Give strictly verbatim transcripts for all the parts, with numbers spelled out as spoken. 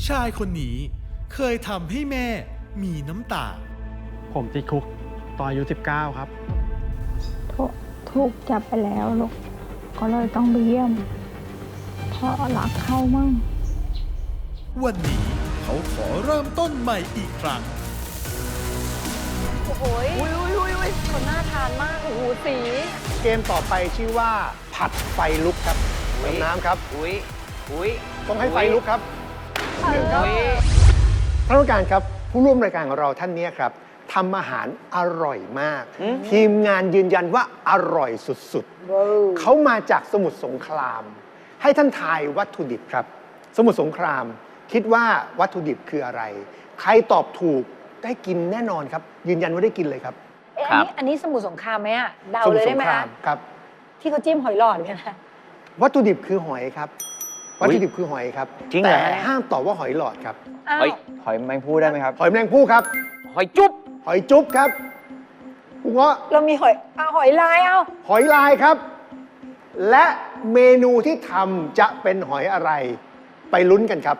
ชายคนนี้เคยทำให้แม่มีน้ำตาผมติดคุกตอนอายุสิบเก้าครับถูกถูกจับไปแล้วลูกก็เลยต้องไปเยี่ยมเพราะรักเขามั่งวันนี้เขาขอเริ่มต้นใหม่อีกครั้งโอ้โหอุ้ยอุ้ยอุ้ยอุ้ยคนน่าทานมากโอ้โหสีเกมต่อไปชื่อว่าผัดไฟลุกครับเติมน้ำครับอุ้ยอุ้ยต้องให้ไฟลุกครับหนึ่งครับท่านผู้การครับผู้ร่วมรายการของเราท่านนี้ครับทำอาหารอร่อยมากทีมงานยืนยันว่าอร่อยสุดๆเขามาจากสมุทรสงครามให้ท่านทายวัตถุดิบครับสมุทรสงครามคิดว่าวัตถุดิบคืออะไรใครตอบถูกได้กินแน่นอนครับยืนยันว่าได้กินเลยครับเอ๊ะอันนี้อันนี้สมุทรสงครามไหมอะเดาเลยได้ไหมคะครับที่เขาจิ้มหอยหลอดกันนะวัตถุดิบคือหอยครับวัตถุดิบคือหอยครับแต่ห้ามตอบว่าหอยหลอดครับหอยหอยแมงภู่ได้ไหมครับหอยแมลงภู่ครับหอยจุ๊บหอยจุ๊บครับคุณเงาะเรามีหอยเอาหอยลายเอาหอยลายครับและเมนูที่ทำจะเป็นหอยอะไรไปลุ้นกันครับ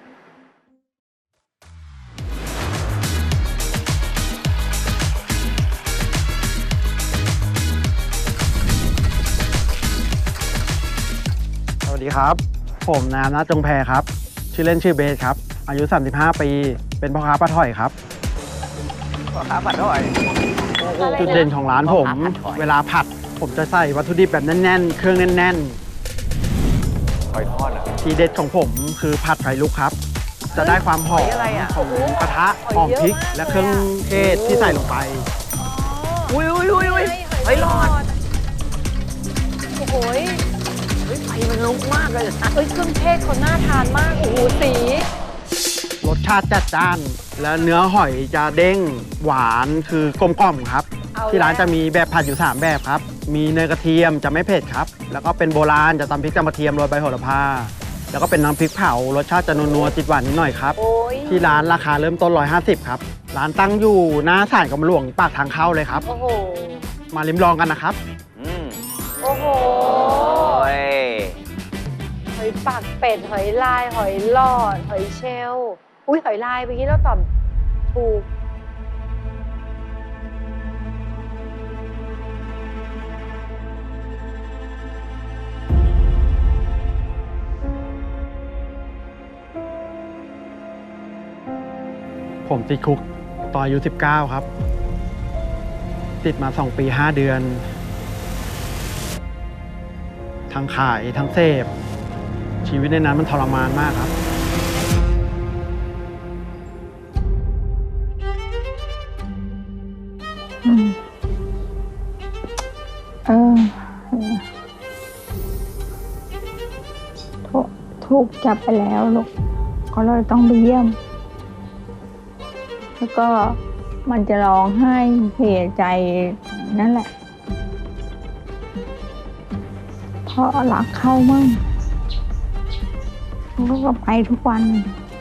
สวัสดีครับผมนามนะจงแพรครับชื่อเล่นชื่อเบสครับอายุสามสิบห้าปีเป็นพ่อค้าปลาถ่อยครับพ่อค้าปลาถ่อยจุดเด่นของร้านผมเวลาผัดผมจะใส่วัตถุดิบแบบแน่นๆเครื่องแน่นๆหอยทอดอ่ะทีเด็ดของผมคือผัดไฟลุกครับจะได้ความหอมของกระทะหอมพริกและเครื่องเทศที่ใส่ลงไปอุ้ยอุ้ยอุ้ยอุ้ยหอยหลอดโอ้โหไฟมันลุกมากเลยเอ้ยเครื่องเทศคนน่าทานมากโอ้โหสีรสชาติจัดจ้านและเนื้อหอยจะเด้งหวานคือกลมกล่อมครับที่ร้านจะมีแบบผัดอยู่สามแบบครับมีเนยกระเทียมจะไม่เผ็ดครับแล้วก็เป็นโบราณจะตำพริกกระเทียมโรยใบโหระพาแล้วก็เป็นน้ำพริกเผารสชาติจะนัวๆติดหวานนิดหน่อยครับที่ร้านราคาเริ่มต้นหนึ่งร้อยห้าสิบครับร้านตั้งอยู่หน้าศาลกรมหลวงปากทางเข้าเลยครับโอ้โหมาลิ้มลองกันนะครับโอ้โหหอยปากเป็ดหอยลายหอยหลอดหอยเชลล์อุ้ยหอยลายเมื่อกี้เราตอบถูกผมติดคุกตอนอายุสิบเก้าครับติดมาสองปีห้าเดือนทั้งขายทั้งเสพชีวิตในนั้นมันทรมานมากครับอืมเออถูกถูกจับไปแล้วลูกก็เลยต้องไปเยี่ยมแล้วก็มันจะร้องไห้เสียใจนั่นแหละเพราะรักเขามั่งเขาก็ไปทุกวัน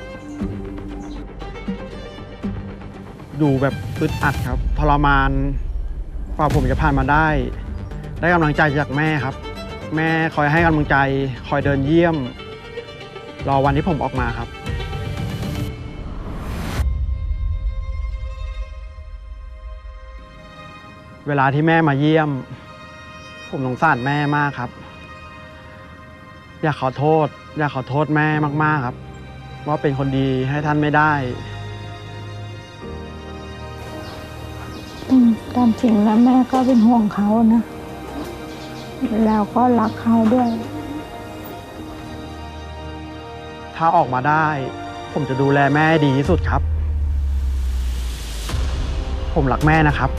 ดูแบบอึดอัดครับทรมานกว่าผมจะผ่านมาได้ได้กำลังใจจากแม่ครับแม่คอยให้กำลังใจคอยเดินเยี่ยมรอวันที่ผมออกมาครับเวลาที่แม่มาเยี่ยมผมสงสารแม่มากครับอยากขอโทษอยากขอโทษแม่มากๆครับว่าเป็นคนดีให้ท่านไม่ได้ตามจริงแล้วแม่ก็เป็นห่วงเขานะแล้วก็รักเขาด้วยถ้าออกมาได้ผมจะดูแลแม่ดีที่สุดครับผมรักแม่นะครับ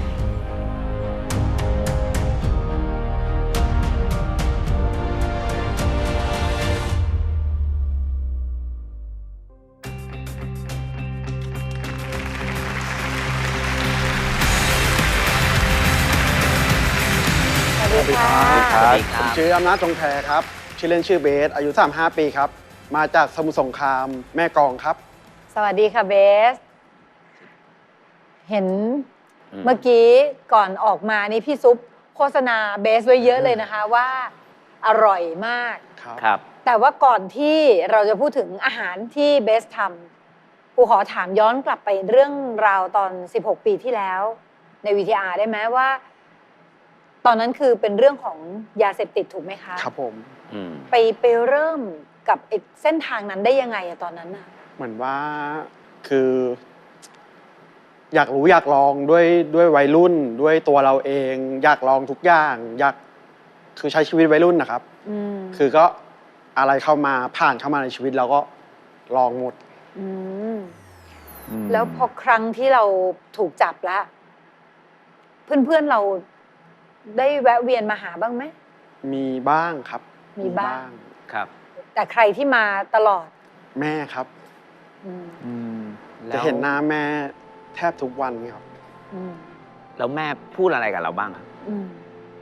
สวัสดีครับผมชื่ออำนาจจงแพรครับชื่อเล่นชื่อเบสอายุสามสิบห้าปีครับมาจากสมุทรสงครามแม่กลองครับสวัสดีค่ะเบสเห็นเมื่อกี้ก่อนออกมานี่พี่ซุปโฆษณาเบสไว้เยอะเลยนะคะว่าอร่อยมากครับแต่ว่าก่อนที่เราจะพูดถึงอาหารที่เบสทำครูขอถามย้อนกลับไปเรื่องราวตอนสิบหกปีที่แล้วใน วี ที อาร์ ได้ไหมว่า ตอนนั้นคือเป็นเรื่องของยาเสพติดถูกไหมคะครับผมอืมไปไปเริ่มกับไอ้เส้นทางนั้นได้ยังไงอะตอนนั้นน่ะเหมือนว่าคือ อยากรู้อยากลองด้วยด้วยวัยรุ่นด้วยตัวเราเอง อยากลองทุกอย่าง อยากคือใช้ชีวิตวัยรุ่นนะครับอืมคือก็อะไรเข้ามาผ่านเข้ามาในชีวิตเราก็ลองหมดอืมแล้วพอครั้งที่เราถูกจับแล้ว เพื่อนๆเราได้แวะเวียนมาหาบ้างไหมมีบ้างครับมีบ้างครับแต่ใครที่มาตลอดแม่ครับอืมอืมจะเห็นหน้าแม่แทบทุกวันครับอืมแล้วแม่พูดอะไรกับเราบ้างครับอืม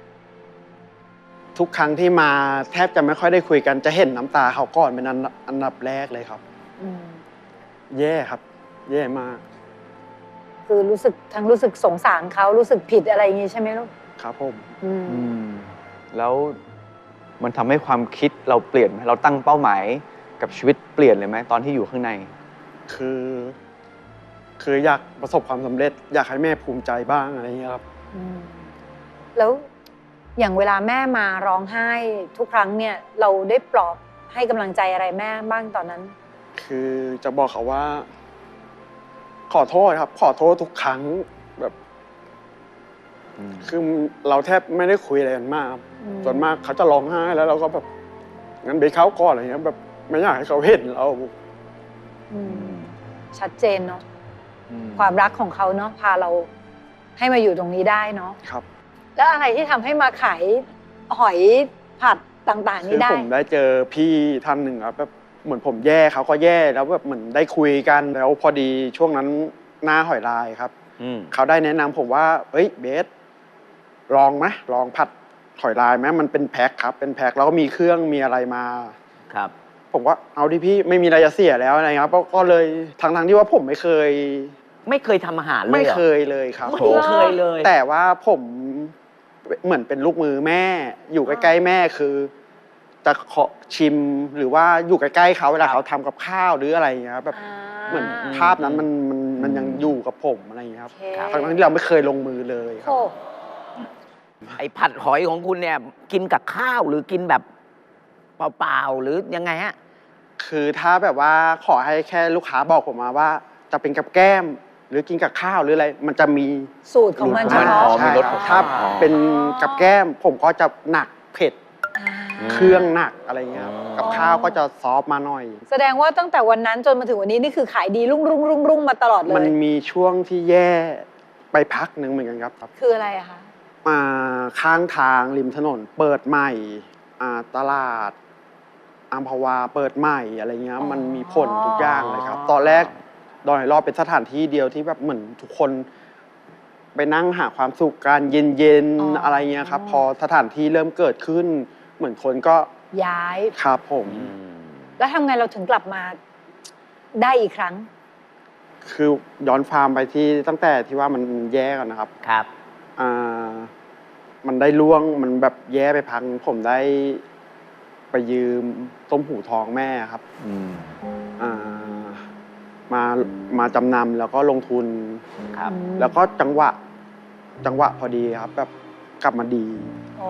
ทุกครั้งที่มาแทบจะไม่ค่อยได้คุยกัน จะเห็นน้ำตาเขาก่อนเป็นอันดับอันดับแรกเลยครับอืมแย่ครับ แย่มากคือรู้สึกทั้งรู้สึกสงสารเขารู้สึกผิดอะไรอย่างงี้ใช่ไหมลูกครับผมอืมอืมแล้วมันทำให้ความคิดเราเปลี่ยนไหมเราตั้งเป้าหมายกับชีวิตเปลี่ยนเลยไหมตอนที่อยู่ข้างในคือ คืออยากประสบความสำเร็จ อยากให้แม่ภูมิใจบ้างอะไรอย่างเงี้ยครับอืมแล้วอย่างเวลาแม่มาร้องไห้ทุกครั้งเนี่ย เราได้ปลอบให้กำลังใจอะไรแม่บ้างตอนนั้นคือจะบอกเขาว่า ขอโทษครับ ขอโทษทุกครั้งแบบ คือเราแทบไม่ได้คุยอะไรกันมากครับอืมส่วนมากเขาจะร้องไห้แล้วเราก็แบบงั้นไปเขาก่อนอะไรเงี้ยแบบไม่อยากให้เขาเห็นเราอืมชัดเจนเนาะความรักของเขาเนาะพาเราให้มาอยู่ตรงนี้ได้เนาะครับแล้วอะไรที่ทำให้มาขายหอยผัดต่างๆคืนี่อได้ผมได้เจอพี่ท่านหนึ่งครับแบบเหมือนผมแย่เขาก็แย่แล้วแบบเหมือนได้คุยกันแล้วพอดีช่วงนั้นหน้าหอยลายครับอืมเขาได้แนะนำผมว่าเฮ้ยเบสลองไหมลองผัดหอยลายไหมมันเป็นแพ็คครับเป็นแพ็คแล้วก็มีเครื่องมีอะไรมาครับผมก็เอาดิพี่ไม่มีอะไรจะเสียแล้วอะไรครับก็เลยทั้งๆที่ว่าผมไม่เคยไม่เคยทำอาหารเลยไม่หรอเคยเลยครับไม่เคยเลยแต่ว่าผมเหมือนเป็นลูกมือแม่ อยู่ใกล้ๆแม่คือ จะขอชิมหรือว่าอยู่ใกล้ๆเขาเวลาเขาทำกับข้าวหรืออะไรอย่างเงี้ยครับแบบอ่าเหมือนภาพนั้นมันมันมันยังอยู่กับผมอะไรอย่างเงี้ยครับโอเคทั้งๆที่เราไม่เคยลงมือเลยครับโอ้ไอ้ผัดหอยของคุณเนี่ย กินกับข้าวหรือกินแบบเปล่าๆหรือยังไงฮะคือถ้าแบบว่าขอให้แค่ลูกค้าบอกผมมาว่า จะเป็นกับแก้ม หรือกินกับข้าวหรืออะไร มันจะมีสูตรของมันเฉรสพาะใช่มีรสครับของถ้าอ๋อเป็นกับแก้ม ผมก็จะหนักเผ็ดอ่าเครื่องหนักอะไรเงี้ยครับอ๋อกับข้าวก็จะซอฟต์มาหน่อยแสดงว่าตั้งแต่วันนั้นจนมาถึงวันนี้นี่คือขายดีรุ่งรุ่งรุ่งรุ่งมาตลอดเลมันยมีช่วงที่แย่ไปพักหนึ่งเหมือนกันครับคืออะไรอะคะมาข้างทางริมถนนเปิดใหม่อ่าตลาดอัมพวาเปิดใหม่อะไรเงี้ยอ๋อมันมีผลทุกอย่างเลยครับ ตอนแรกดอยรอบเป็นสถานที่เดียวที่แบบเหมือนทุกคน ไปนั่งหาความสุขการเย็นๆอะไรเงี้ยครับ พอสถานที่เริ่มเกิดขึ้น เหมือนคนก็ย้ายครับผมแล้วทำไงเราถึงกลับมาได้อีกครั้งคือย้อนฟาร์มไปที่ตั้งแต่ที่ว่ามันแย่กันนะครับครับอ่ามันได้ล่วงมันแบบแย่ไปพัง ผมได้ไปยืมต้มหูทองแม่ครับอืมอ่ามามาจำนำแล้วก็ลงทุนครับแล้วก็จังหวะจังหวะพอดีครับ แบบกลับมาดีอ๋อ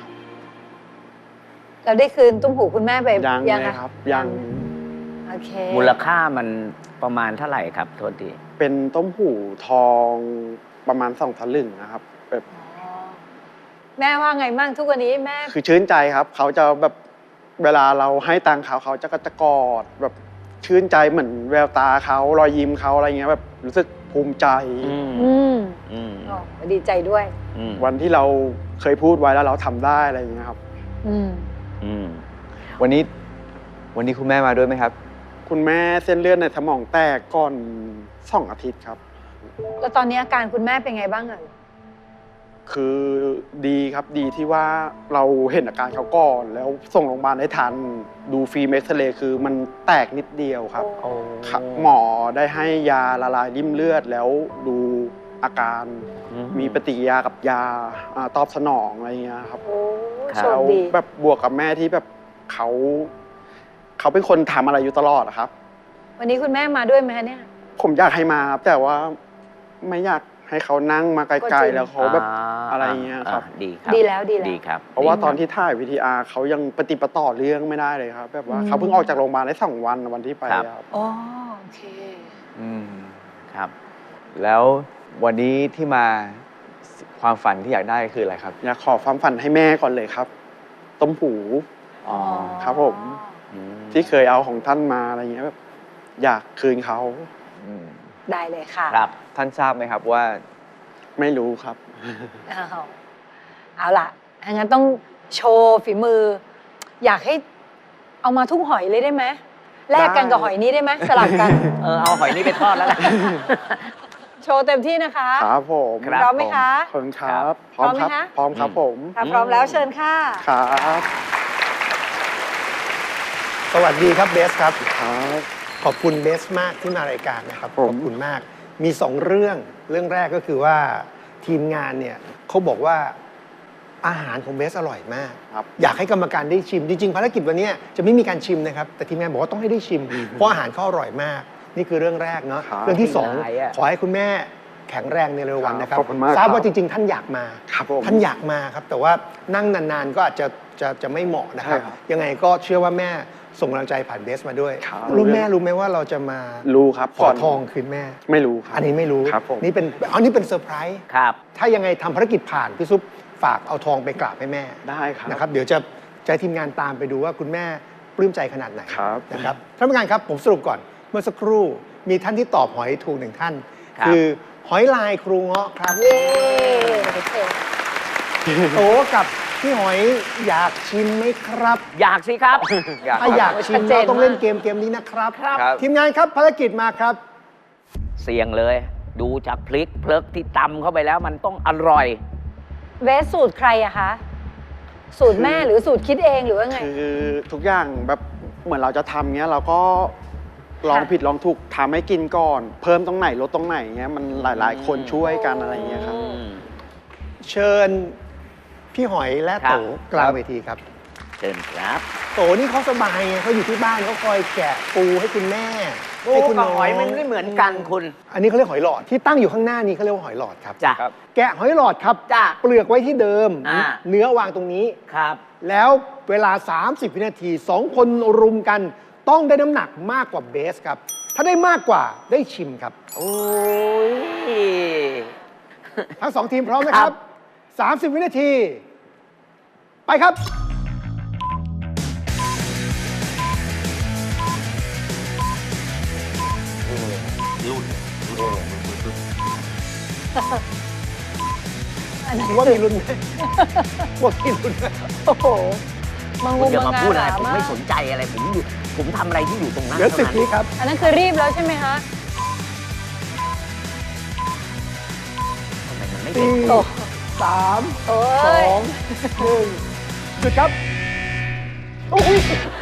เราได้คืนตุ้มหูคุณแม่ไปยังเลยอะครับ ยังโอเคมูลค่ามันประมาณเท่าไหร่ครับ โทษทีเป็นต้มหูทองประมาณสองสลึงนะครับแบบอ๋อแม่ว่าไงบ้างทุกวันนี้แม่คือชื่นใจครับ เขาจะแบบเวลาเราให้ตังค์เขาเขาจะก็จะกอดแบบชื่นใจเหมือนแววตาเขารอยยิ้มเขาอะไรเงี้ยแบบรู้สึกภูมิใจอืมอืมอืมอ๋อดีใจด้วยอืมวันที่เราเคยพูดไว้แล้วเราทำได้อะไรอย่างเงี้ยครับอืมอืมวันนี้วันนี้คุณแม่มาด้วยไหมครับคุณแม่เส้นเลือดในสมองแตกก่อนสองอาทิตย์ครับแล้วตอนนี้อาการคุณแม่เป็นไงบ้างอะคือดีครับดีที่ว่าเราเห็นอาการเขาก่อน แล้วส่งโรงพยาบาลได้ทัน ดูฟิล์มเอ็กซเรย์คือมันแตกนิดเดียวครับโอ้ครับหมอได้ให้ยาละลายริ่มเลือดแล้วดูอาการมีปฏิกิริยากับยาอาตอบสนองอะไรเงี้ยครับโอ้ครับโชคแล้วดีแบบบวกกับแม่ที่แบบเขาเขาเป็นคนทำอะไรอยู่ตลอดอะครับวันนี้คุณแม่มาด้วยไหมคะเนี่ยผมอยากให้มาครับแต่ว่าไม่อยากให้เขานั่งมาไกก็จลริๆงแล้วเขาแบบอะไรเงี้ยครับดีครับดีแล้วดีแล้วดีครับเพราะว่าดีคบตอนที่ถ่ายวีทีอาร์เขายังปฏิปต่อเรื่องไม่ได้เลยครับ แบบว่าอืมเขาเพิ่งออกจากโรงพยาบาลได้สองวันวันที่ไปครับครับอ๋อโอเคอืมครับแล้ววันนี้ที่มาความฝันที่อยากได้คืออะไรครับอยากขอความฝันให้แม่ก่อนเลยครับ ต้มหูอ๋อครับผม ที่เคยเอาของท่านมาอะไรเงี้ยแบบอยากคืนเขาอืมได้เลยค่ะครับท่านทราบไหมครับว่าไม่รู้ครับเอาเอาล่ะงั้นต้องโชว์ฝีมือ อยากให้เอามาทุกหอยเลยได้ไหมแลกกันกับหอยนี้ได้ไหมสลับกันเออเอาหอยนี่ไปทอดแล้วกันโชว์เต็มที่นะคะครับผมครับพร้อมไหมคะขอบคุณครับพร้อมไหมคะพร้อมครับผมถ้าพร้อมแล้วเชิญค่ะครับสวัสดีครับเบสครับครับขอบคุณเบสมากที่มารายการนะครับผมขอบคุณมาก มีสองเรื่องเรื่องแรกก็คือว่าทีมงานเนี่ยเขาบอกว่าอาหารของเบสอร่อยมากครับอยากให้กรรมการได้ชิม จริงๆภารกิจวันนี้จะไม่มีการชิมนะครับ แต่ทีมงานบอกว่าต้องให้ได้ชิม เพราะอาหารเขาอร่อยมาก นี่คือเรื่องแรกเนาะครับเรื่องที่สองไม่ได้อะขอให้คุณแม่แข็งแรงในเร็ววันนะครับขอบคุณมากทราบครับว่าจริง ๆ ท่านอยากมาครับผมท่านอยากมาครับ แต่ว่านั่งนานๆก็อาจจะจะจะไม่เหมาะนะครับใช่ครับยังไงก็เชื่อว่าแม่ส่งกำลังใจผ่านเบสมาด้วยครับรู้แม่รู้ไหมว่าเราจะมารู้ครับขอทองคืนแม่ไม่รู้ครับอันนี้ไม่รู้ครับผมนี่เป็นอันนี้เป็นเซอร์ไพรส์ครับถ้ายังไงทำภารกิจผ่านพี่ซุปฝากเอาทองไปกราบให้แม่ได้ครับนะครับ เดี๋ยวจะใช้ทีมงานตามไปดูว่าคุณแม่ปลื้มใจขนาดไหนครับนะครับท่านผู้การครับผมสรุปก่อนเมื่อสักครู่มีท่านที่ตอบหอยถูกหนึ่งท่านครับคือหอยลายครูเงาะครับเย้โอเคโตกับพี่หอยอยากชิมไหมครับอยากสิครับอยากถ้าอยากชิมชัดเจนเราต้องเล่นมากเกมเกมนี้นะครับครับทีมงานครับภารกิจมาครับเสี่ยงเลย ดูจากพริกเพลิกที่ตำเข้าไปแล้วมันต้องอร่อยเวสสูตรใครอะคะ สูตรแม่หรือสูตรคิดเองหรือว่าไงคือทุกอย่างแบบเหมือนเราจะทำเงี้ยเราก็ลองผิดลองถูกทำให้กินก่อน เพิ่มตรงไหนลดตรงไหนเงี้ยมันหลาย ๆ คนช่วยกันอะไรเงี้ยครับเชิญพี่หอยและครัโตบกลางเวทีครับเชิญครับโตนี่เขาสบายไงเขาอยู่ที่บ้านเขาคอยแกะปูให้คุณแม่ปูให้คุณกับน้องหอยมันไม่เหมือนกันคุณอันนี้เขาเรียกหอยหลอดที่ตั้งอยู่ข้างหน้านี้เขาเรียกว่าหอยหลอดครับจ้ะครับแกะหอยหลอดครับจ้ะเปลือกไว้ที่เดิมอ่าเนื้อวางตรงนี้ครับแล้วเวลา สามสิบ วินาทีสองคนรุมกัน ต้องได้น้ำหนักมากกว่าเบสครับ ถ้าได้มากกว่าได้ชิมครับโอ้ยทั้งสองทีมพร้อมนะครับ สามสิบ วินาที ไปครับอันนั้นว่ามีลุ้นไหมว่ามีลุ้นไหมโอ้โหมังคุงณอย่ามังมางาพูดอะไรหผมมาไม่กสนใจอะไร ผมอยู่ ผมทำอะไรที่อยู่ตรงนั้นเหลือสิบท่าวิครับอันนั้นคือรีบแล้วใช่ไหมคะทำไมมันไม่เป็นสี่โอ้สามโอ้สอย งหนึ่งหยุดครับโอ้ย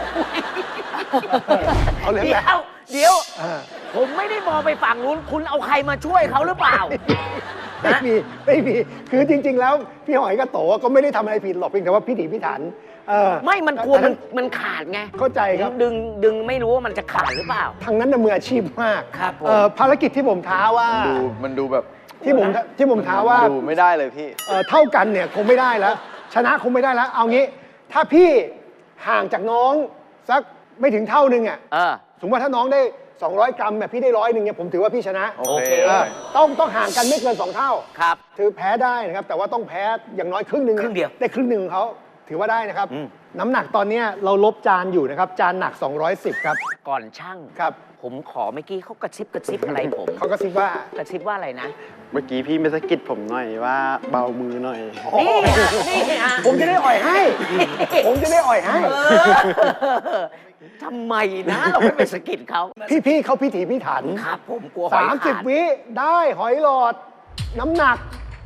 เอาเลยเดี๋แหยละว เดี๋ยวอ่าผมไม่ได้มองไปฝั่งนู้น คุณเอาใครมาช่วยเขาหรือเปล่าไม่มีไม่มี คือจริง ๆ แล้วพี่หอยกับโตก็ไม่ได้ทำอะไรผิดหรอกเพียงแต่ว่าพิถีพิถันเออไม่ มันกลัวมันมันขาดไงเข้าใจครับดึงดึงไม่รู้ว่ามันจะขาดหรือเปล่าทางนั้นน่ะมืออาชีพมากครับผมเอ่อภารกิจที่ผมท้าว่าดูมันดูแบบที่ผมที่ผมท้าว่าดูไม่ได้เลยพี่เอ่อเท่ากันเนี่ยคงไม่ได้แล้ว ชนะคงไม่ได้แล้ว เอางี้ ถ้าพี่ห่างจากน้องสักไม่ถึงเท่านึงอ่ะเออสมมติว่าถ้าน้องได้ สองร้อย กรัมแบบพี่ได้ร้อยหนึ่งเนี่ยผมถือว่าพี่ชนะโอโอเคเคเออต้องต้องห่างกันไม่เกินสองเท่าครับถือแพ้ได้นะครับ แต่ว่าต้องแพ้อย่างน้อยครึ่งหนึ่งครึ่งเดียวได้ครึ่งหนึ่งของเขาถือว่าได้นะครับอืมน้ำหนักตอนเนี้ยเราลบจานอยู่นะครับ จานหนัก สองร้อยสิบ ครับก่อนช่างครับผมขอเมื่อกี้เขากระซิบกระซิบอะไรผมเขาก็คิดว่ากระซิบว่าอะไรนะเมื่อกี้พี่ไม่สะกิดผมหน่อยว่าเบามือหน่อยนี่อ่ะนี่อ่ะผมจะได้อ่อยให้ ผมจะได้อ่อยให้เออทำไมนะ เราไม่ไปสะกิดเขาพี่ๆเขาพิถีพิถันครับ ผมกลัวหอยสามสิบขาดวิได้หอยหลอด น้ำหนัก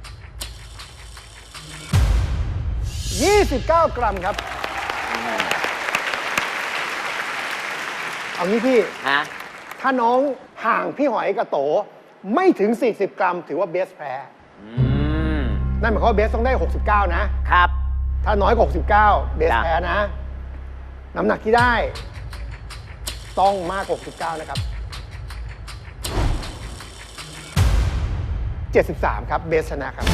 ยี่สิบเก้า กรัมครับ เอางี้พี่ฮะถ้าน้องห่างพี่หอยกับโต ไม่ถึง สี่สิบ กรัม ถือว่าเบสแพ้อืมนั่นหมายความว่าเบสต้องได้ หกสิบเก้า นะครับถ้าน้อยกว่าหกสิบเก้า เบสจ้ะแพ้นะ น้ำหนักที่ได้ต้องมากกว่าหกสิบเก้านะครับเจ็ดสิบสามครับเบสชนะครับ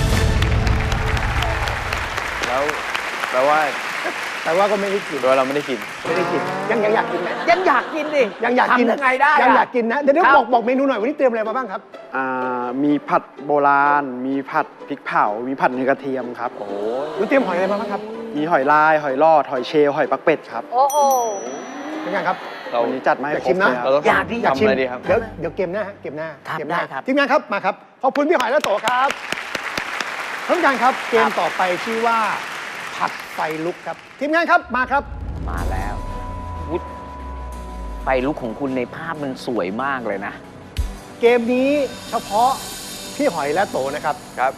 แล้วแปลว่าแต่ว่าก็ไม่ได้กินแปลว่าเราไม่ได้กินไม่ได้กินยังยังอยากกินไหมยังอยากกินดิยังอยากกินทำยังไงได้ยังอะอยากกินนะเดี๋ยวเดี๋ยวครับบอกบอกเมนูหน่อยวันนี้เตรียมอะไรมาบ้างครับอ่ามีผัดโบราณ มีผัดพริกเผา มีผัดเนื้อกระเทียมครับโอ้โหคุณเตรียมหอยอะไรมาบ้างครับมีหอยลาย หอยลอด หอยเชลล์หอยปักเป็ดครับโอ้โหเป็นไงครับเราวันนี้จัดมาให้อยากครชิบมนะเลยครับเราต้องอยากดิอยากทำชิมอะไรดีครับเดี๋ยวเดี๋ยวเกมหน้าฮะเกมหน้าครับเกมหน้าได้ครับทีมงานครับมาครับขอบคุณพี่หอยและโตครับท่านผู้การครับเกมต่อไปชื่อว่าผัดไฟลุกครับทีมงานครับมาครับมาแล้ววุฒไฟลุกของคุณในภาพมันสวยมากเลยนะเกมนี้เฉพาะพี่หอยและโตนะครับครับ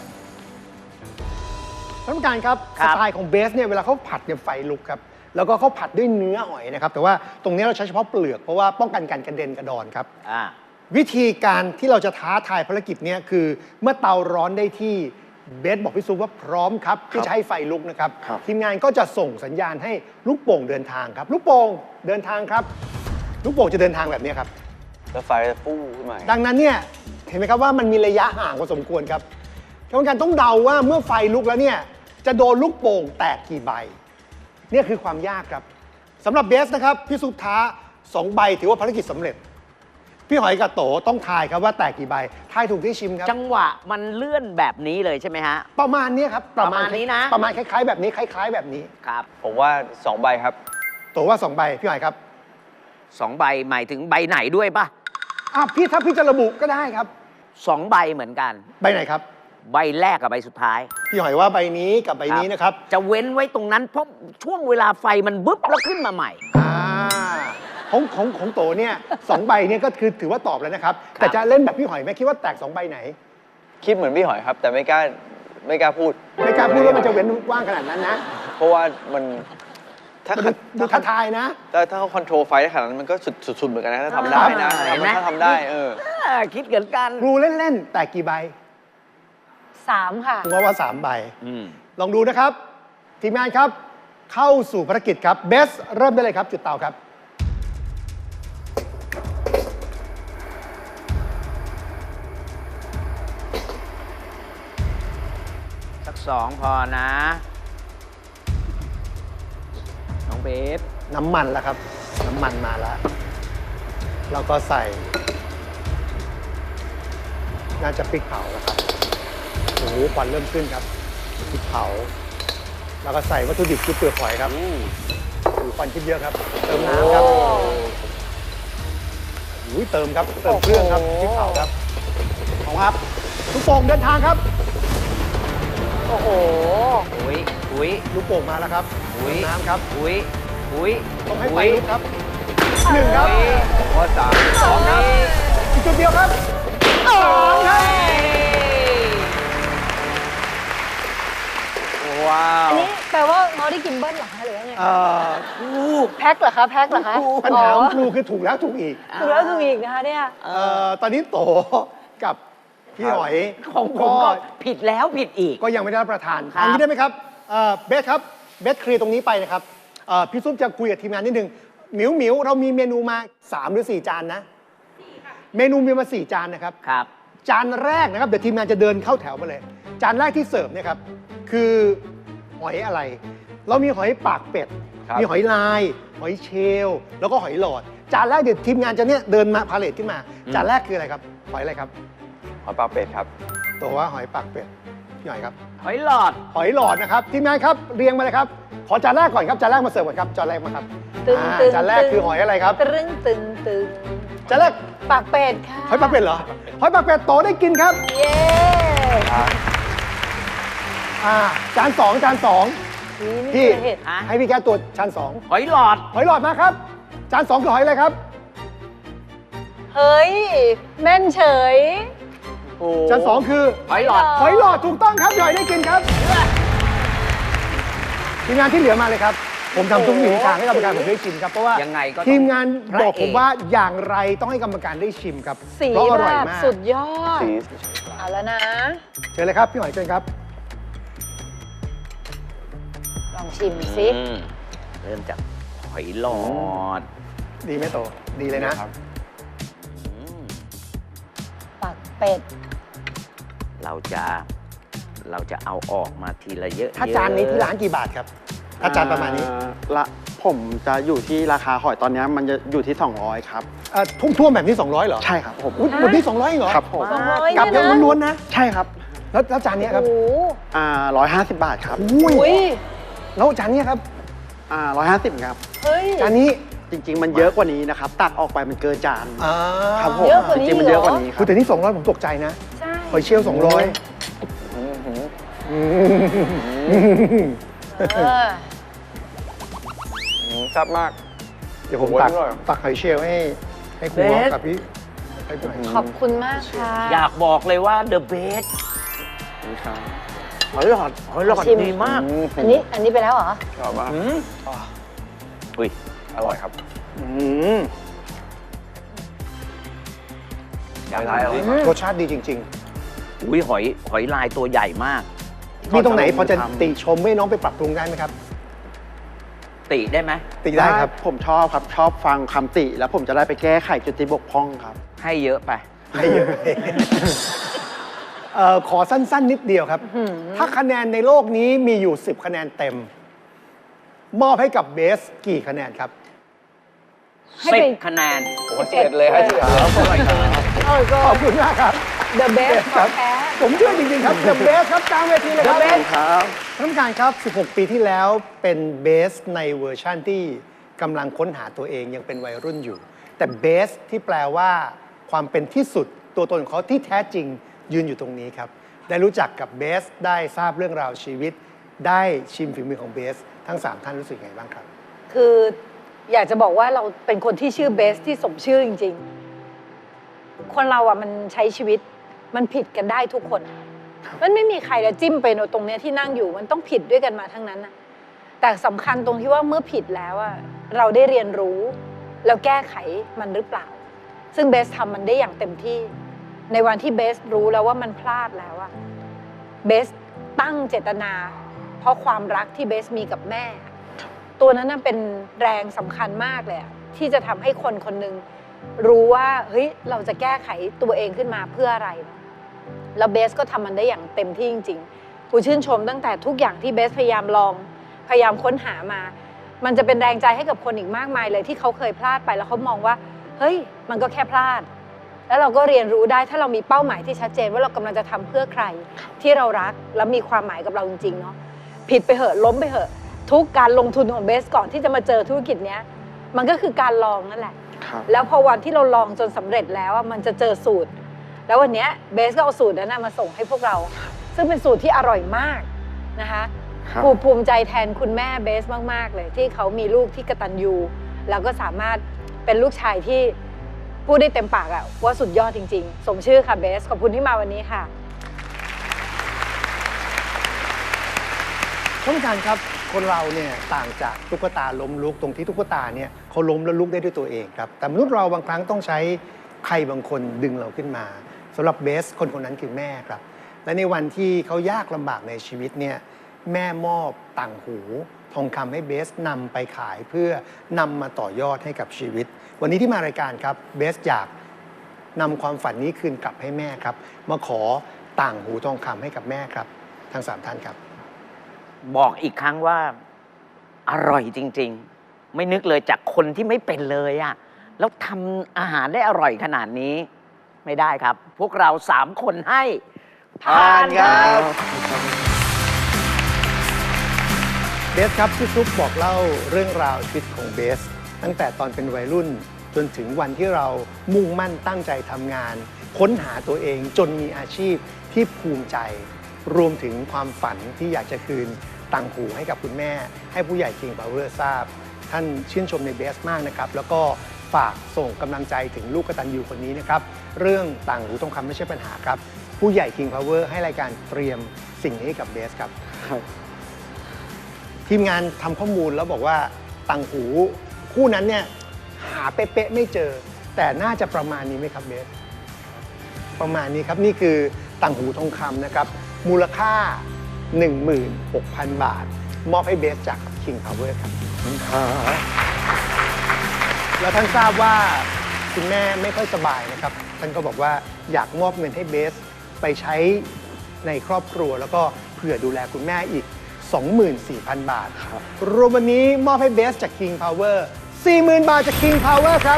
ท่านผู้การครับครัสบไตล์ของเบสเนี่ยเวลาเขาผัดเนี่ยไฟลุกครับแล้วก็เขาผัดด้วยเนื้อหอยนะครับแต่ว่าตรงนี้เราใช้เฉพาะเปลือกเพราะว่าป้องกันการกระเด็นกระดอนครับอ่าวิธีการที่เราจะท้าทายภารกิจเนี้คือเมื่อเตาร้อนได้ที่เบสบอกพี่ซุปว่าพร้อมครับที่จะให้ไฟลุกนะครับครับทีมงานก็จะส่งสัญญาณให้ลูกโป่งเดินทางครับ ลูกโป่งเดินทางครับ ลูกโป่งจะเดินทางแบบนี้ครับแล้วไฟจะฟู่ขึ้นมาดังนั้นเนี่ยเห็นไหมครับว่ามันมีระยะห่างพอสมควรครับกรรมการต้องเดาว่าเมื่อไฟลุกแล้วเนี่ยจะโดนลูกโป่งแตกกี่ใบเนี่ยคือความยากครับสำหรับเบสนะครับพี่ซุปท้าสองใบถือว่าภารกิจสำเร็จ พี่หอยกับโตต้องทายครับว่าแตกกี่ใบทายถูกที่ชิมครับจังหวะมันเลื่อนแบบนี้เลยใช่ไหมฮะประมาณเนี้ยครับประมาณนี้นะประมาณคล้ายๆแบบนี้คล้าย ๆ แบบนี้ครับผมว่าสองใบครับโตว่าสองใบพี่หอยครับสองใบหมายถึงใบไหนด้วยปะอ่ะพี่ถ้าพี่จะระบุก็ได้ครับสองใบเหมือนกันใบไหนครับใบแรกกับใบสุดท้ายพี่หอยว่าใบนี้กับใบนี้นะครับจะเว้นไว้ตรงนั้นเพราะช่วงเวลาไฟมันบึ๊บแล้วขึ้นมาใหม่อ่าของของของโตเนี่ยสองใบเนี่ยก็คือถือว่าตอบแล้วนะครับ แต่จะเล่นแบบพี่หอยไหมคิดว่าแตกสองใบไหนคิดเหมือนพี่หอยครับ แต่ไม่กล้าไม่กล้าพูดไม่กล้าพูดว่ามันจะเว้นกว้างขนาดนั้นนะเพราะว่ามันถ้ามันดูดูท้าทายนะถ้าถ้าเขาคอนโทรลไฟได้ขนาดนั้นมันก็สุดสุดๆเหมือนกันนะถ้าทำได้นะเห็นไหมถ้าทำได้เอออ่าคิดเหมือนกันครูเล่นๆแตกกี่ใบสามค่ะครูว่าว่าสามใบอืมลองดูนะครับ ทีมงานครับ เข้าสู่ภารกิจครับเบสเริ่มได้เลยครับ จุดเตาครับสักสองพอนะ น้องเบฟน้ำมันแล้วครับ น้ำมันมาแล้ว แล้วก็ใส่ น่าจะพริกเผาแล้วครับโอ้โหควันเริ่มขึ้นครับพริกเผา แล้วก็ใส่วัตถุดิบคือเปลือกหอยครับโอ้โหควันขึ้นเยอะครับ เติมน้ำครับโอ้ยเติมครับ เติมเครื่องครับพริกเผาครับของครับลูกโป่งเดินทางครับโอ้โหอุ้ยอุ้ยลูกโป่งมาแล้วครับอุ๊ยเติมน้ำครับอุ้ยอุ้ยต้องให้ไฟอุ๊ยลุกครับหนึ่งครับข้อสามสองครับอีกจุดเดียวครับสามครับว้าวอันนี้แปลว่าง้อได้กินเบิ้ลเหรอคะหรือว่าไงเอ่อแพ็คเหรอคะแพ็คเหรอคะปัญหาของครูคือถูกแล้วถูกอีกถูกแล้วถูกอีกนะคะเนี่ยเอ่อตอนนี้โตกับพี่หอยของผมก็ผิดแล้วผิดอีกก็ยังไม่ได้รับประทานครับอันนี้ได้ไหมครับเอ่อเบสครับเบสเคลียร์ตรงนี้ไปนะครับเอ่อพี่ซุปจะคุยกับทีมงานนิดนึงหมิวหมิวเรามีเมนูมาสามหรือสี่จานนะเมนูมีมาสี่จานนะครับครับจานแรกนะครับเดี๋ยวทีมงานจะเดินเข้าแถวมาเลย จานแรกที่เสิร์ฟเนี่ยครับคือหอยอะไร เรามีหอยปากเป็ดครับมีหอยลาย หอยเชลล์แล้วก็หอยหลอด จานแรกเดี๋ยวทีมงานจะเนี่ยเดินมาพาเลทขึ้นมา จานแรกคืออะไรครับ หอยอะไรครับหอยปลาเป็ดครับตัวว่าหอยปากเป็ดพี่หอยครับหอยหลอดหอยหลอดนะครับทีมงานครับเรียงมาเลยครับ ขอจานแรกก่อนครับจานแรกมาเสิร์ฟก่อนครับจานแรกมาครับตึงอ่าตึงจานแรกคือหอยอะไรครับตึงตึงตึงจานแรกปากเป็ดค่ะหอยปากเป็ดเหรอหอยปากเป็ดโตได้กินครับเย้อ่าจานสองจานสองนี่พี่ไม่เคยเห็นฮะให้พี่แก้ตัวจานสองหอยหลอดหอยหลอดมาครับ จานสองคือหอยอะไรครับเฮ้ย แม่นเฉยจานสองคือหอยหลอดหอยหลอดถูกต้องครับพี่หอยได้กินครับทีมงานที่เหลือมาเลยครับ ผมทำทุกวิถีทางให้กรรมการผมได้ชิมครับเพราะว่ายังไงก็ต้องทีมงานพระบอกผมเอกว่าอย่างไรต้องให้กรรมการได้ชิมครับสีเพราะอแบร่อยบมากสุดยอดสีเอาแล้วนะเชิญเลยครับพี่หอยเชิญครับลองชิมสิอืมเริ่มจากหอยหลอดดีไหมโตดีเลยนะปักเป็ดเราจะเราจะเอาออกมาทีละเยอะถ้าจานนี้ที่ร้านกี่บาทครับ ถ้าจานประมาณนี้อ่ละผมจะอยู่ที่ราคาหอยตอนนี้มันจะอยู่ที่ สองร้อย ครับเอ่อทุ่มท่วมๆแบบนี้ สองร้อยเหรอใช่ครับผมอุ๊ยหมดที่สองร้อยเหรอครับผมสองร้อยกับเนี่ยยังนะล้วนๆนะใช่ครับแล้วแล้วจานเนี้ยครับโอ้โหอ่าร้อยห้าสิบบาทครับอุ้ยอุ้ยแล้วจานเนี้ยครับอ่าร้อยห้าสิบครับเฮ้ยจานนี้จริง ๆ มันเยอะกว่านี้นะครับ ตักออกไปมันเกินจานอ่าครับผมเยอะกว่านี้จริงๆมันเยอะกว่านี้คคุรัณบแต่นี่สองร้อยผมตกใจนะใช่หอยเชลล์สองร้อยเออแซ่บมากเดี๋ยวผมตักโอ้ยอร่อยตักหอยเชลล์ให้ให้ครูฮอกับพี่ให้หน่อยขอบคุณมากค่ะอยากบอกเลยว่า the best นี่ครับหอยหลอดหอยหลอดชิมดีมากอันนี้อันนี้ไปแล้วเหรอชอบมากอืมอุ้ยอร่อยครับอืมอยากได้อะไรรสชาติดีจริงอุ้ยหอยหอยลายตัวใหญ่มากๆ มีตรงไหนพอจะติชมให้น้องไปปรับปรุงได้ไหมครับติได้ไหมติได้ครับผมชอบครับชอบฟังคำติ แล้วผมจะได้ไปแก้ไขจุดที่บกพร่องครับให้เยอะไปให้เยอะเอ่อขอสั้น ๆ นิดเดียวครับหืมถ้าคะแนนในโลกนี้มีอยู่ สิบ คะแนนเต็ม มอบให้กับเบสกี่คะแนนครับให้สิไปบคะแนนผมว่าสิบเอ็ดเลยให้สิบเอ็ดแล้วเออก็ขอบคุณมากครับ The best ครับของแท้ผมเชื่อจริง ๆ ครับ The Best ครับกลางเวทีเลยครับ The Best ครับท่านผู้การครับ สิบหก ปีที่แล้วเป็นเบสในเวอร์ชั่นที่กำลังค้นหาตัวเองยังเป็นวัยรุ่นอยู่ แต่เบสที่แปลว่าความเป็นที่สุดตัวตนของเขาที่แท้จริงยืนอยู่ตรงนี้ครับ ได้รู้จักกับเบสได้ทราบเรื่องราวชีวิต ได้ชิมฝีมือของเบสทั้งสามท่านรู้สึกยังไงบ้างครับคืออยากจะบอกว่าเราเป็นคนที่ชื่อเบสที่สมชื่อจริงๆ คนเราอ่ะมันใช้ชีวิตมันผิดกันได้ทุกคน มันไม่มีใครจะจิ้มไปตรงเนี้ยที่นั่งอยู่มันต้องผิดด้วยกันมาทั้งนั้นนะแต่สำคัญตรงที่ว่าเมื่อผิดแล้วอ่ะเราได้เรียนรู้แล้วแก้ไขมันหรือเปล่า ซึ่งเบสทำมันได้อย่างเต็มที่ ในวันที่เบสรู้แล้วว่ามันพลาดแล้วอ่ะเบสตั้งเจตนา เพราะความรักที่เบสมีกับแม่ ตัวนั้นน่ะเป็นแรงสำคัญมากเลยอะที่จะทำให้คนคนหนึ่งรู้ว่าเฮ้ยเราจะแก้ไขตัวเองขึ้นมาเพื่ออะไรเนาะแล้วเบสก็ทำมันได้อย่างเต็มที่จริงๆกูชื่นชมตั้งแต่ทุกอย่างที่เบสพยายามลองพยายามค้นหามา มันจะเป็นแรงใจให้กับคนอีกมากมายเลยที่เขาเคยพลาดไปแล้วเขามองว่าเฮ้ยมันก็แค่พลาด แล้วเราก็เรียนรู้ได้ถ้าเรามีเป้าหมายที่ชัดเจนว่าเรากำลังจะทำเพื่อใครที่เรารักและมีความหมายกับเราจริงๆเนาะผิดไปเหอะล้มไปเหอะทุกการลงทุนของเบสก่อนที่จะมาเจอธุรกิจเนี้ยมันก็คือการลองนั่นแหละครับแล้วพอวันที่เราลองจนสำเร็จแล้วอะมันจะเจอสูตร แล้ววันเนี้ยเบสก็เอาสูตรนั้นนะมาส่งให้พวกเรา ซึ่งเป็นสูตรที่อร่อยมากนะคะครับภูภูมิใจแทนคุณแม่เบสมากๆเลยที่เขามีลูกที่กตัญญูแล้วก็สามารถเป็นลูกชายที่พูดได้เต็มปากอะว่าสุดยอดจริงๆ สมชื่อค่ะเบสขอบคุณที่มาวันนี้ค่ะท่านผู้การครับคนเราเนี่ยต่างจากตุ๊กตาล้มลุกตรงที่ตุ๊กตาเนี่ยเขาล้มแล้วลุกได้ด้วยตัวเองครับแต่มนุษย์เราบางครั้งต้องใช้ใครบางคนดึงเราขึ้นมาสำหรับเบสคนคนนั้นคือแม่ครับและในวันที่เขายากลำบากในชีวิตเนี่ยแม่มอบต่างหูทองคำให้เบสนำไปขายเพื่อนำมาต่อยอดให้กับชีวิต วันนี้ที่มารายการครับเบสอยากนำความฝันนี้คืนกลับให้แม่ครับมาขอต่างหูทองคำให้กับแม่ครับทั้งสามท่านครับบอกอีกครั้งว่า อร่อยจริง ๆ ไม่นึกเลยจากคนที่ไม่เป็นเลยอะแล้วทำอาหารได้อร่อยขนาดนี้ ไม่ได้ครับ พวกเราสามคนให้ผ่านครับเบสครับพี่ซุปบอกเล่าเรื่องราวชีวิตของเบส ตั้งแต่ตอนเป็นวัยรุ่น จนถึงวันที่เรามุ่งมั่นตั้งใจทำงาน ค้นหาตัวเองจนมีอาชีพที่ภูมิใจ รวมถึงความฝันที่อยากจะคืนต่างหูให้กับคุณแม่ ให้ผู้ใหญ่ King Power ทราบ ท่านชื่นชมในเบสมากนะครับ แล้วก็ฝากส่งกำลังใจถึงลูกกตัญญูคนนี้นะครับ เรื่องต่างหูทองคำไม่ใช่ปัญหาครับ ผู้ใหญ่ King Power ให้รายการเตรียมสิ่งนี้ให้กับเบสครับ ทีมงานทำข้อมูลแล้วบอกว่าต่างหูคู่นั้นเนี่ยหาเป๊ะๆไม่เจอ แต่น่าจะประมาณนี้ไหมครับเบส ประมาณนี้ครับนี่คือต่างหูทองคำนะครับมูลค่า หนึ่งหมื่นหกพัน บาท มอบให้เบสจาก King Power ครับแล้วท่านทราบว่าคุณแม่ไม่ค่อยสบายนะครับท่านก็บอกว่าอยากมอบเงินให้เบสไปใช้ในครอบครัวแล้วก็เผื่อดูแลคุณแม่อีก สองหมื่นสี่พัน บาทครับรวมวันนี้มอบให้เบสจาก King Power สี่หมื่น บาทจาก King Power ครับ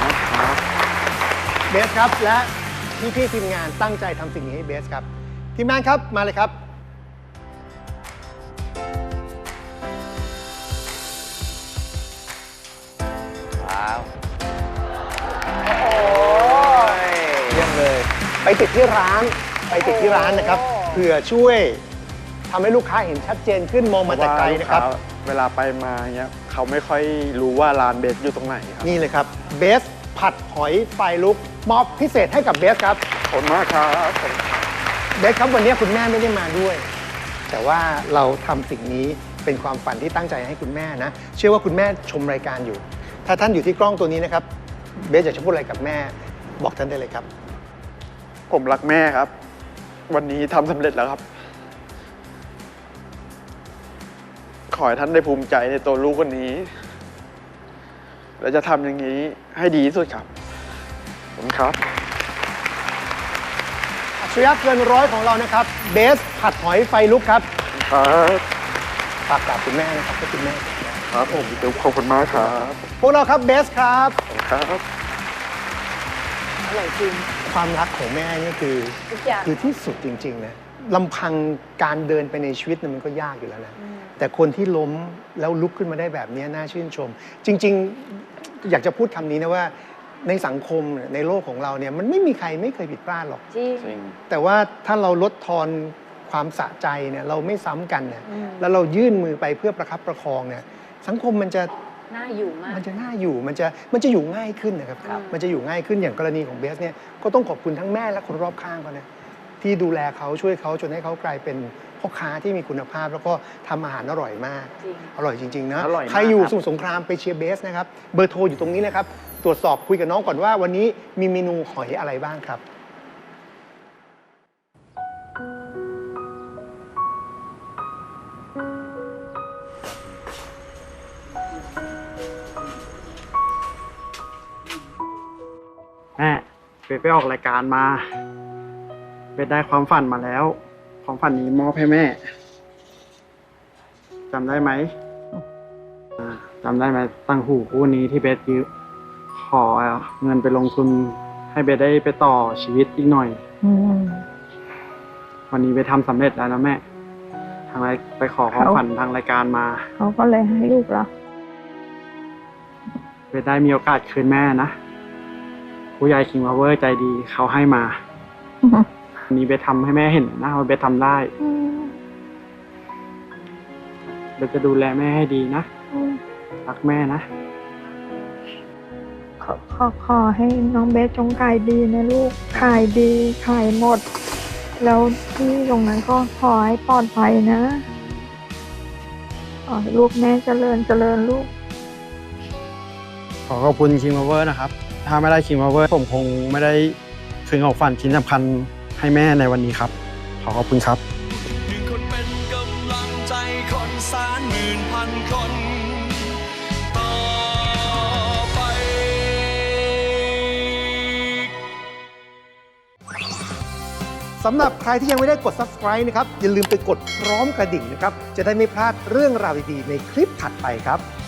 เบสครับและพี่ๆทีมงานตั้งใจทำสิ่งนี้ให้เบสครับทีมงานครับมาเลยครับว้าวเยี่ยมเลย ไปติดที่ร้านไปติดที่ร้านนะครับเผื่อช่วยทำให้ลูกค้าเห็นชัดเจนขึ้นมองมาแต่ไกลนะครับเวลาไปมาเงี้ยเขาไม่ค่อยรู้ว่าร้านเบสอยู่ตรงไหนครับนี่เลยครับเบสผัดหอยไฟลุกมอบพิเศษให้กับเบสครับขอบคุณมากครับเบสครับวันนี้คุณแม่ไม่ได้มาด้วย แต่ว่าเราทำสิ่งนี้เป็นความฝันที่ตั้งใจให้คุณแม่นะเชื่อว่าคุณแม่ชมรายการอยู่ ถ้าท่านอยู่ที่กล้องตัวนี้นะครับเบสอยากจะพูดอะไรกับแม่บอกท่านได้เลยครับผมรักแม่ครับ วันนี้ทำสำเร็จแล้วครับ ขอให้ท่านได้ภูมิใจในตัวลูกคนนี้ และจะทำอย่างนี้ให้ดีที่สุดครับผมครับอัจฉริยะเกินร้อยของเรานะครับเบสผัดหอยไฟลุกครับครับฝากกราบคุณแม่นะครับให้คุณแม่ครับผมเดี๋ยวขอบคุณมากครับพวกเราครับเบสครับครับอร่อยจริงความรักของแม่นี่คือทุกอย่างคือที่สุดจริงๆนะลำพังการเดินไปในชีวิตเนี่ยมันก็ยากอยู่แล้วนะแต่คนที่ล้มแล้วลุกขึ้นมาได้แบบนี้น่าชื่นชม จริงๆอยากจะพูดคำนี้นะว่าในสังคมในโลกของเราเนี่ยมันไม่มีใครไม่เคยผิดพลาดหรอกจริงจริงแต่ว่าถ้าเราลดทอนความสะใจเนี่ยเราไม่ซ้ำกันเนี่ยอืมแล้วเรายื่นมือไปเพื่อประคับประคองเนี่ยสังคมมันจะน่าอยู่มากมันจะน่าอยู่มันจะมันจะอยู่ง่ายขึ้นนะครับครับมันจะอยู่ง่ายขึ้นอย่างกรณีของเบสเนี่ยก็ต้องขอบคุณทั้งแม่และคนรอบข้างเขานะที่ดูแลเขาช่วยเขาจนให้เขากลายเป็นพ่อค้าที่มีคุณภาพ แล้วก็ทำอาหารอร่อยมากจริงอร่อยจริงๆนะอร่อยมากใครอยู่ครับสมุทรสงครามไปเชียร์เบสนะครับเบอร์โทรอยู่ตรงนี้นะครับตรวจสอบคุยกับน้องก่อนว่าวันนี้มีเมนูหอยอะไรบ้างครับแม่เบสไปออกรายการมาเบสได้ความฝันมาแล้ว ความฝันนี้มอบให้แม่จำได้ไหมอ่าจำได้ไหมตั้งหูคู่นี้ที่เบสยืมขอเงินไปลงทุนให้เบสได้ไปต่อชีวิตอีกหน่อยอืมวันนี้เบสทำสำเร็จแล้วนะแม่ทางรายไปขอความเขาฝันทางรายการมาเขาก็เลยให้ลูกเราเบสได้มีโอกาสคืนแม่นะผู้ใหญ่คิงพาวเวอร์ใจดีเขาให้มาวันนี้เบสทำให้แม่เห็นนะว่าเบสทำได้อืมเบสจะดูแลแม่ให้ดีนะอืมรักแม่นะขอขอขอให้น้องเบสจงขายดีนะลูก ขายดีขายหมด แล้วที่ตรงนั้นก็ขอให้ปลอดภัยนะขอให้ลูกแม่เจริญเจริญลูกขอขอบคุณคิงพาวเวอร์นะครับ ถ้าไม่ได้คิงพาวเวอร์ผมคงไม่ได้คืนของฝันชิ้นสำคัญให้แม่ในวันนี้ครับ ขอขอบคุณครับหนึ่งคนเป็นกำลังใจคนแสนหมื่นพันคน ต่อไปสำหรับใครที่ยังไม่ได้กด ซับสไครบ์ นะครับ อย่าลืมไปกดพร้อมกระดิ่งนะครับ จะได้ไม่พลาดเรื่องราวดีๆในคลิปถัดไปครับ